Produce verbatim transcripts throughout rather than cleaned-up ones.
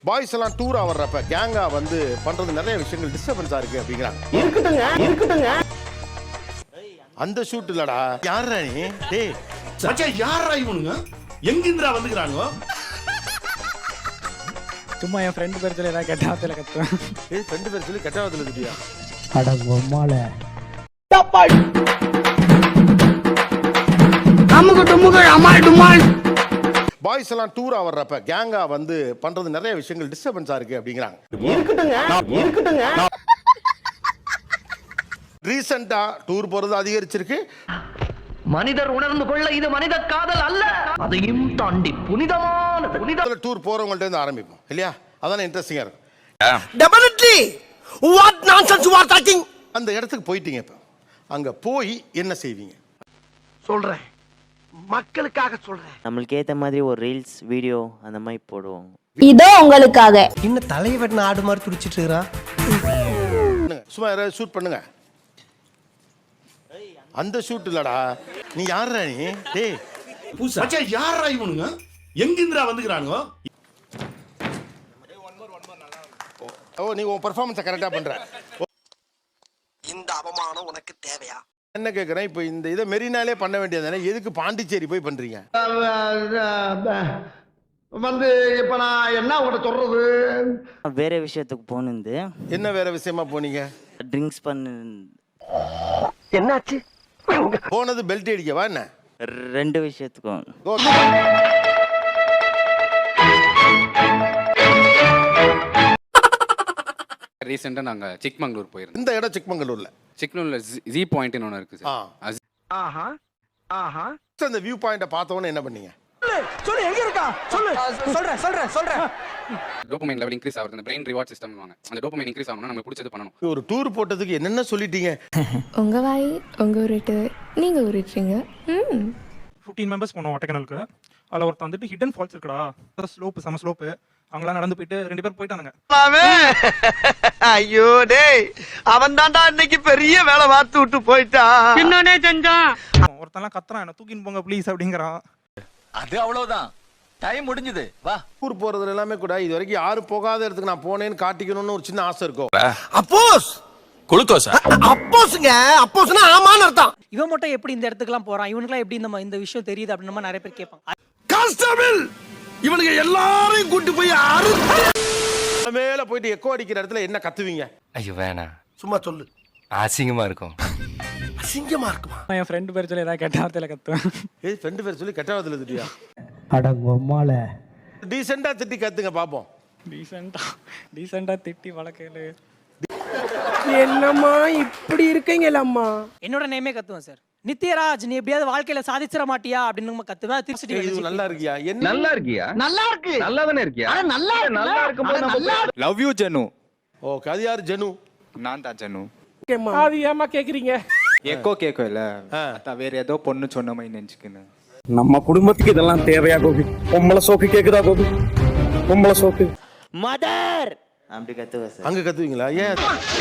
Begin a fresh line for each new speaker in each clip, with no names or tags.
Boys எல்லாம் டூரா வர்றப்ப கேங்கா வந்து பண்றது நிறைய விஷயங்கள் டிஸ்டர்பன்ஸா இருக்கு அப்படிங்கிறாங்க.
இருக்கட்டுங்க இருக்கட்டுங்க.
அந்த ஷூட் இல்லடா. யாரா நீ? டேய்
மச்சான் யாரா இவனுங்க? எங்கிந்திரா வந்துக்கறாங்க?
சும்மா என் ஃப்ரெண்ட் பேர் சொல்லி ஏதாவது கெட்டாவத்துல கத்துவேன்.
ஏய் ஃப்ரெண்ட் பேர் சொல்லி கெட்டாவத்துல திட்டியா?
அட பொம்மால. அமுகு டுமுகு அமால் டுமால்.
பாய்ஸ் எல்லாம் டூரா வர்றப்ப கேங்கா வந்து பண்றது நிறைய விஷயங்கள் டிஸ்டர்பன்ஸா இருக்கு அப்படிங்கிறாங்க.
இருக்கட்டுங்க இருக்கட்டுங்க.
ரீசெண்டா டூர் போறது அதிகரிச்சிருக்கு.
மனிதர் உணர்ந்து கொள்ள இது மனித காதல் அல்ல, அதையும் தாண்டி புனிதமானது. புனித
டூர் போறவங்கள்ட்ட இருந்து ஆரம்பிப்போம் இல்லையா? அதானே இன்ட்ரெஸ்டிங்கா இருக்கும்.
Definitely. What nonsense you are talking.
அந்த இடத்துக்கு போயிட்டீங்க, இப்ப அங்க போய் என்ன செய்வீங்க?
சொல்றேன், மக்களுக்காக சொல்றேன்.
நம்மளுக்கு ஏத்த மாதிரி ஒரு ரீல்ஸ் வீடியோ அந்த மாதிரி போடுவோம்.
இதோ உங்களுக்காக.
இன்னும் தலையை வெட்டின ஆடு மாதிரி துடிச்சிட்டு இருக்கிறான்.
சும்மா யாராவது ஷூட் பண்ணுங்க. அந்த ஷூட் இல்லடா. நீ யாரா நீ? டேய்
மச்சான் யாரா இவனுங்க? எங்கிந்திரா வந்துக்கறாங்க?
ஓ நீ உன் பெர்ஃபார்மன்ஸை கரெக்டா பண்ற.
இந்த அவமானம் உனக்கு தேவையா?
என்ன கேட்குறேன், இப்போ இந்த இதை மெரினாலே பண்ண வேண்டியதானே, எதுக்கு பாண்டிச்சேரி போய் பண்றீங்க?
வந்து இப்ப நான் என்ன உங்கள்கிட்ட சொல்றது?
வேற விஷயத்துக்கு போனது.
என்ன வேற விஷயமா போனீங்க?
ட்ரிங்க்ஸ் பண்ணு.
என்னாச்சு?
போனது பெல்ட் அடிக்கவா என்ன?
ரெண்டு விஷயத்துக்கும்.
Go.
ரீசெண்டாக நாங்கள் சிக்மங்களூர் போயிருந்தோம்.
இந்த இடம் சிக்மங்களூர்ல.
சிக்மங்களூர் ஜி பாயிண்ட்னு ஒன்று இருக்குது
ஆ.
சார்.
ஆஹா ஆஹா.
அந்த வியூ பாயிண்ட பார்த்தவொடனே என்ன பண்ணீங்க?
சொல்லு, எங்க இருக்கா? சொல்லு. சொல்றேன் சொல்றேன் சொல்றேன்.
டோபமைன் லெவல் இன்க்ரீஸ் ஆகுது. அந்த பிரெயின் ரிவார்ட் சிஸ்டம் வாங்க. அந்த டோபமைன் இன்க்ரீஸ் ஆகணும்னா நம்ம பிடிச்சது பண்ணணும்.
ஒரு டூர் போட்டதுக்கு என்னென்ன சொல்லிட்டீங்க?
உங்க வாய் உங்க உருட்டு, நீங்க உருட்டுறீங்க. ம்
ஃபிஃப்டீன் மெம்பர்ஸ் போனோம் ஒட்டக்கனலுக்கு. அதில் ஒருத்தன் வந்துட்டு ஹிடன் ஃபால்ஸ் இருக்குடா, ஸ்லோப்பு செம ஸ்லோப்பு. அவங்களாம் நடந்து போயிட்டு ரெண்டு பேர் போயிட்டானுங்க.
ஐயோ டேய், அவன் தான்டா இன்னைக்கு பெரிய வேலை பார்த்து விட்டு போயிட்டான். என்னனே செஞ்சான்?
ஒருத்தன்லாம் கத்துறான், என்ன தூக்கின்னு போங்க ப்ளீஸ் அப்படிங்கிறான்.
அது அவ்வளவுதான், டைம் முடிஞ்சது, வா.
டூர் போறதுல எல்லாமே கூட இது வரைக்கும் யாரும் போகாத இடத்துக்கு நான் போனேன்னு காட்டிக்கணும்னு ஒரு சின்ன ஆசை இருக்கும்.
அப்போஸ் குளுக்கோஸா? அப்போஸ்ங்க, அப்போஸ்னா ஆமான்னு அர்த்தம்.
இவன் மட்டும் எப்படி இந்த இடத்துக்குலாம் போறான், இவனுக்குலாம் எப்படி இந்த இந்த விஷயம் தெரியுது அப்படின்னு நம்ம நிறைய பேர் கேட்பாங்க.
கான்ஸ்டபிள் இவனுங்க எல்லாரையும் கூட்டி போய் அறுத்து
மேல போயிட்டு எக்கோ அடிக்கிற இடத்துல என்ன கத்துவீங்க?
ஐயோ வேணாம்,
சும்மா சொல்லு.
அசிங்கமா இருக்கும்.
அசிங்கமா இருக்குமா?
என் ஃப்ரெண்ட் பேர் சொல்லி ஏதாவது கெட்டாவத்துல கத்துவேன்.
ஏய் ஃப்ரெண்ட் பேர் சொல்லி கெட்டாவத்துல திட்டியா?
அட பொம்மால.
டீசெண்டா திட்டி கத்துங்க பாப்போம்.
டீசெண்டா டீசெண்டா திட்டி வளர்க்கல.
என்னம்மா இப்படி இருக்கீங்களம்மா?
என்னோட நேமே கத்துவேன் சார். நித்யராஜ் நீ எப்படியாவது வாழ்க்கையில சாதிச்சிட மாட்டியா அப்படின்னு நம்ம கத்துவேன். திருச்சி
இது நல்லா இருக்கியா? என்ன
நல்லா இருக்கியா?
நல்லா இருக்கு.
நல்லா தானே இருக்கியா?
அட நல்லா இருக்கு.
நல்லா இருக்கும்போது
நல்லா
லவ் யூ ஜெனு.
ஓகே, அது யாரு? ஜெனு.
நான் தான் ஜெனு.
இருக்கேம்மா.
அது ஏமா கேக்குறீங்க? எக்கோ கேக்கோ இல்ல, அத வேற ஏதோ பொண்ணு சொன்ன மாதிரி நினைச்சுக்கினேன்.
நம்ம குடும்பத்துக்கு இதெல்லாம் தேவையா கோபி? பொம்பளை சோக்கு கேக்குதா கோபி? பொம்பளை சோக்கு.
மதர் அப்படி கத்துவேன் சார்.
அங்க கத்துவீங்களா? ஏன்?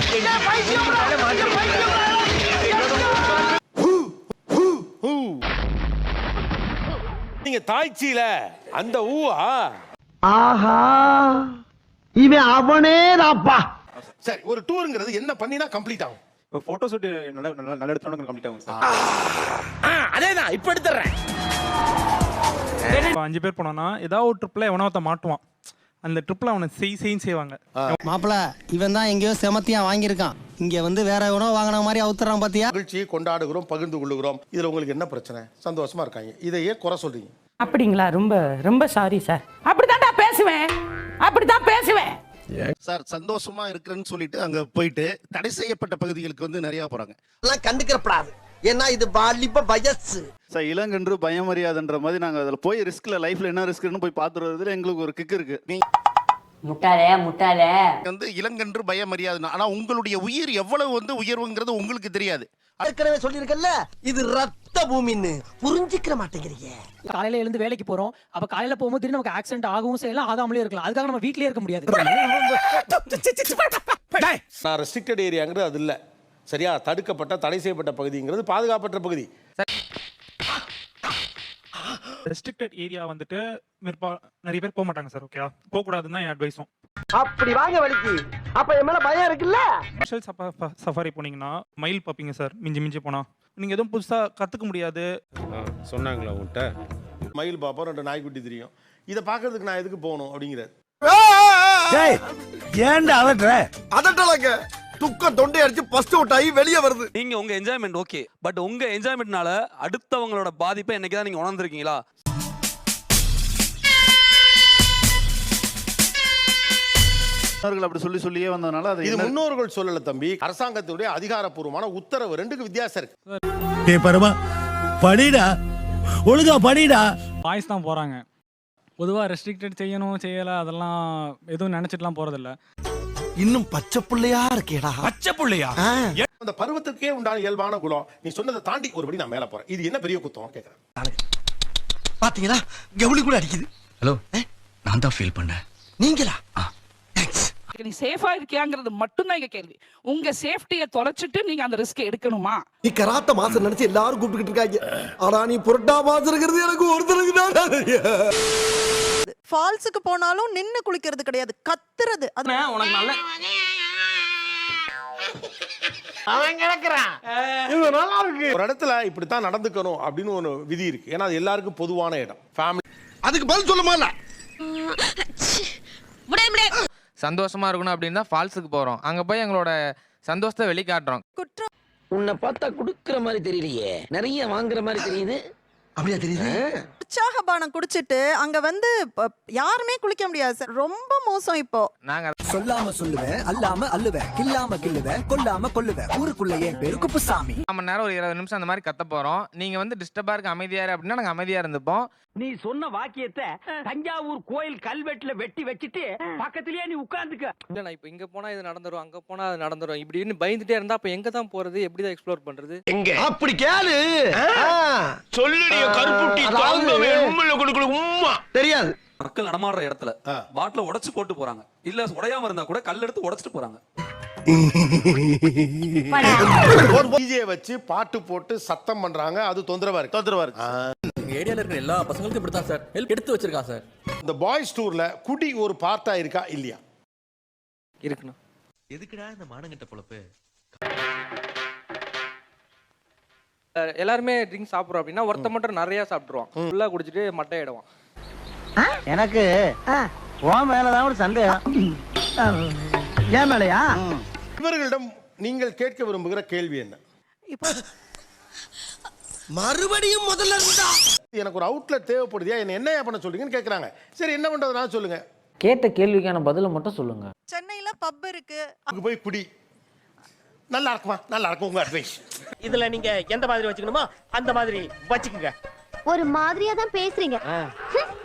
நீங்க தாய்ச்சியில அந்த ஊவா?
ஆஹா, இவன் அவனே தாப்பா.
சரி, ஒரு டூருங்கிறது என்ன பண்ணினா கம்ப்ளீட் ஆகும்?
போட்டோ ஷூட் நல்ல நல்ல எடுத்தோம்னா கம்ப்ளீட் ஆகும் சார்.
அதேதான் இப்ப எடுத்துறேன்.
இப்போ அஞ்சு பேர் போனோம்னா ஏதாவது ஒரு ட்ரிப்ல எவனோ ஒருத்த மாட்டுவான். அந்த ட்ரிப்ல அவனை செய் செய்ன்னு செய்வாங்க.
மாப்பிள, இவன் தான் எங்கேயோ செமத்தியா வாங்கியிருக்கான். இங்க வந்து வேற எவனோ வாங்கின மாதிரி அவுத்துறான் பாத்தியா?
மகிழ்ச்சியை கொண்டாடுகிறோம், பகிர்ந்து கொள்ளுகிறோம். இதுல உங்களுக்கு என்ன பிரச்சனை? சந்தோஷமா இருக்காங்க, இதையே குறை சொல்றீங்க.
அப்படிங்களா? ரொம்ப ரொம்ப சாரி சார். அப்படித்தான்டா பேசுவேன், அப்படித்தான் பேசுவேன்
சார். சந்தோஷமா இருக்கிறேன்னு சொல்லிட்டு அங்க போயிட்டு தடை செய்யப்பட்ட பகுதிகளுக்கு வந்து நிறைய போறாங்க.
எல்லாம் கண்டுக்கிறப்படாது, ஏன்னா இது வாலிப வயசு.
சார், இளங்கன்று பயமறியாதுன்ற மாதிரி நாங்கள் அதில் போய் ரிஸ்க்ல லைஃப்ல என்ன ரிஸ்க்னு போய் பார்த்துட்டு வரதுல எங்களுக்கு ஒரு கிக் இருக்கு. நீ
முட்டாளே முட்டாளே
வந்து இளங்கன்று பயமறியாது, ஆனா உங்களுடைய உயிர் எவ்வளவு வந்து உயர்வுங்கிறது உங்களுக்கு தெரியாது.
ஏற்கனவே சொல்லியிருக்கல, இது ரத்த பூமின்னு புரிஞ்சுக்கிற மாட்டேங்கிறீங்க.
காலையில எழுந்து வேலைக்கு போறோம், அப்ப காலையில போகும்போது திடீர்னு நமக்கு ஆக்சிடென்ட் ஆகவும் செய்யலாம், ஆகாமலே இருக்கலாம். அதுக்காக நம்ம வீட்லயே இருக்க முடியாது.
நான் ரெஸ்ட்ரிக்டட் ஏரியாங்கிறது அது இல்ல, சரியா? தடுக்கப்பட்ட தடை செய்யப்பட்ட பகுதிங்கிறது பாதுகாப்பற்ற பகுதி.
ரெஸ்ட்ரிக்டட் ஏரியா வந்துட்டு மேற்பா- நிறைய பேர் போக மாட்டாங்க சார். ஓகே, போக கூடாதுன்னு தான் என் அட்வைஸும்.
அப்படி வாங்க வலிக்கு அப்ப என் மேல பயம் இருக்குல்ல.
ஸ்பெஷல் சஃபாரி போனீங்கன்னா மயில் பார்ப்பீங்க சார். மிஞ்சி மிஞ்சி போனா நீங்க எதுவும் புதுசா கத்துக்க முடியாது.
சொன்னாங்களா உங்கள்கிட்ட? மயில் பாப்போம், ரெண்டு நாய்க்குட்டி தெரியும். இதை பார்க்கறதுக்கு நான் எதுக்கு போகணும் அப்படிங்கிறார்.
ஏன்டா அதட்ற?
அதட்டலங்க, துக்கம் தொண்டை அடிச்சு பஸ்ட் அவுட் ஆகி வெளியே வருது.
நீங்க உங்க என்ஜாய்மெண்ட் ஓகே, பட் உங்க என்ஜாய்மெண்ட்னால அடுத்தவங்களோட பாதிப்பை என்னைக்குதான் நீங்க உணர்ந்திருக்கீங்களா?
முன்னோர்கள் அப்படி சொல்லி சொல்லியே வந்ததுனால அது
இது
என்ன-
முன்னோர்கள் சொல்லல தம்பி, அரசாங்கத்துடைய அதிகாரப்பூர்வமான உத்தரவு. ரெண்டுக்கு வித்தியாசம் இருக்கு.
டேய் பரமா படிடா, ஒழுங்கா படிடா.
பாய்ஸ் தான் போறாங்க. பொதுவாக ரெஸ்ட்ரிக்டட் செய்யணும் செய்யலை அதெல்லாம் எதுவும் நினச்சிட்டுலாம் போகிறதில்ல.
இன்னும் பச்சை புள்ளையா இருக்கேடா. பச்சை புள்ளையா?
அந்த பருவத்துக்கே உண்டான இயல்பான குலம். நீ சொன்னதை தாண்டி ஒருபடி நான் மேல போறேன். இது என்ன பெரிய குத்தம் கேட்கறேன்.
பாத்தீங்களா, கவுளி கூட அடிக்குது. ஹலோ, நான் தான் ஃபீல் பண்ணேன். நீங்களா?
நீ சேஃபா இருக்கியாங்கிறது மட்டும் தான் எங்க கேள்வி. உங்க சேஃப்டியை தொலைச்சிட்டு நீங்க அந்த ரிஸ்க் எடுக்கணுமா?
நீ கராத்த மாசம் நினைச்சு எல்லாரும் கூப்பிட்டுக்கிட்டு இருக்காங்க. ஆனா நீ புரட்டா மாசம் இருக்கிறது எனக்கு ஒருத்தருக்கு தான்.
ஃபால்ஸுக்கு போனாலும் நின்னு குளிக்கிறது கிடையாது, கத்துறது. அது
உனக்கு நல்ல
ஒரு இடத்துல இப்படித்தான் நடந்துக்கணும் அப்படின்னு ஒரு விதி இருக்கு. ஏன்னா அது எல்லாருக்கும் பொதுவான இடம். ஃபேமிலி
அதுக்கு பதில் சொல்லுமா?
சந்தோஷமா இருக்கணும் அப்படின்னு தான் ஃபால்ஸுக்கு போறோம். அங்க போய் எங்களோட சந்தோஷத்தை வெளிக்காட்டுறோம்.
குற்றம்.
உன்னை பார்த்தா குடுக்குற மாதிரி தெரியலையே, நிறைய வாங்குற மாதிரி தெரியுது. அப்படியா தெரியுது?
உற்சாக பானம் குடிச்சிட்டு அங்க வந்து ப- யாருமே குளிக்க முடியாது சார். ரொம்ப மோசம் இப்போ.
நாங்க
சொல்லாம சொல்லுவேன், அல்லாம அல்லுவேன், கில்லாம கில்லுவேன், கொல்லாம கொல்லுவேன். ஊருக்குள்ள என் பேரு குப்புசாமி.
அரை மணி நேரம் ஒரு இருபது நிமிஷம் அந்த மாதிரி கத்த போறோம். நீங்க வந்து டிஸ்டர்பா இருக்க அமைதியா இரு அப்படின்னா நாங்க அமைதியா இருந்துப்போம்.
நீ சொன்ன வாக்கியத்தை தஞ்சாவூர் கோயில் கல்வெட்டுல வெட்டி வச்சிட்டு பக்கத்திலேயே நீ உட்கார்ந்துக்க.
இல்ல நான் இப்போ இங்க போனா இது நடந்துரும், அங்க போனா அது நடந்துரும் இப்படின்னு பயந்துட்டே இருந்தா அப்ப எங்க தான் போறது, எப்படி தான் எக்ஸ்ப்ளோர் பண்றது?
எங்க அப்படி கேளு. சொல்லுடிய கருப்புட்டி தாங்கவே உம்முல குடுக்குற உம்மா தெரியாது.
மக்கள் நடமாடுற இடத்துல பாட்டில உடைச்சு போட்டு போறாங்க. இல்ல உடையாம இருந்தா கூட கல் எடுத்து உடைச்சிட்டு போறாங்க.
டிஜே வச்சு பாட்டு போட்டு சத்தம் பண்றாங்க. அது தொந்தரவா இருக்கு. தொந்தரவா இருக்கு.
ஏரியால இருக்கிற எல்லா பசங்களுக்கும் இப்படித்தான் சார் ஹெல்ப் எடுத்து வச்சிருக்கான் சார்.
இந்த பாய்ஸ் டூர்ல குடி ஒரு பார்ட்டா இருக்கா இல்லையா?
இருக்குண்ணா.
எதுக்குடா இந்த மானங்கிட்ட பொழப்பு?
எல்லாருமே ட்ரிங்க் சாப்பிடுறோம் அப்படின்னா ஒருத்த மட்டும் நிறைய சாப்பிட்டுருவான். ஃபுல்லா குடிச்சிட்டு மட்டை ஆயிடுவான்.
எனக்கு உன் மேலதான் ஒரு சந்தேகம். ஏன் மேலையா?
இவர்களிடம் நீங்கள் கேட்க விரும்புகிற கேள்வி என்ன?
இப்போ
மறுபடியும் முதல்ல இருந்தா
எனக்கு ஒரு அவுட்லெட் தேவைப்படுதியா, என்ன என்ன பண்ண சொல்றீங்கன்னு கேட்கறாங்க. சரி, என்ன பண்றதுனா சொல்லுங்க.
கேட்ட கேள்விக்கான பதில மட்டும் சொல்லுங்க.
சென்னையில பப் இருக்கு.
அங்க போய் குடி. நல்லா இருக்குமா? நல்லா இருக்கும். உங்க அட்வைஸ்.
இதுல நீங்க எந்த மாதிரி வச்சுக்கணுமோ அந்த மாதிரி வச்சுக்கோங்க.
ஒரு மாதிரியா தான் பேசுறீங்க.